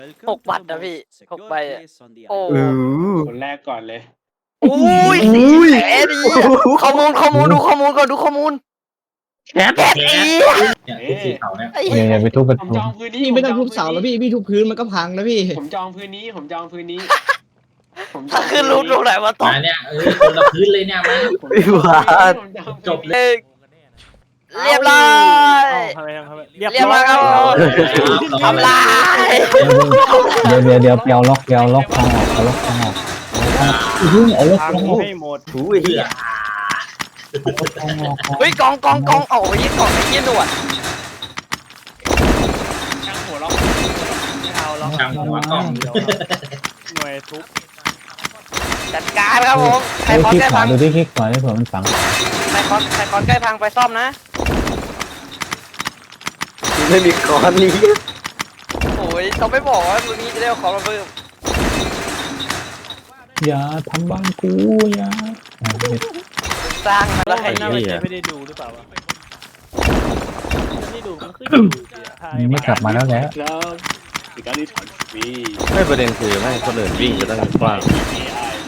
6 บัตรนะพี่6 ใบอะโอ้คนแรกก่อนเลยอุ้ย4 แสนดีข้อมูลดูข้อมูลก่อนดูข้อมูลแปดอีเนี่ยทุกสีเขาเนี่ยอย่าไปทุบประผมตูจองพื้นนี้พี่ไม่ต้องทุบเสาแล้วพี่ทุบพื้นมันก็พังแล้วพี่ผมจองพื้นนี้ผมจองพื้นนี้ถ้าขึ้นรูปตรงไหนมาตกมาเนี่ยคนละพื้นเลยเนี่ยมาไม่หวานจบเลยเรียบร้อย เรียบร้อยครับทำลายเดี๋ยวเปียวล็อกทางออกเอาล็อกทางออกเอาล็อกทางออกให้หมดถูไอ้เหี้ยเฮ้ยกองเอาไปยี่กองไอ้ยี่หนวดช่างหัวล็อกไม่เอาแล้วช่างหัวกล้องหน่วยทุบจัดการครับผมใครคอนคลิกใกล้ขวาพังดูที่คลิกขวาได้เผื่อมันฝังใครคอนใกล้พังไปซ่อมนะไม่มีคอนนี้โอ้ยต้องไม่บอกว่ามือนี้จะได้เอาของมาเพิ่มอย่าทำบ้านกูอย่าสร้างมาแล้แล้ว วใครให้น่าไม่ได้ดูหรือเปล่าวะไม่ได้ดูมันขึ้นอยู่นี่กลับมาแล้วแหละครับในการที่ถอนฟรีไม่ประเด็นคือไม่คนอื่นวิ่งไปตั้งกว้าง AI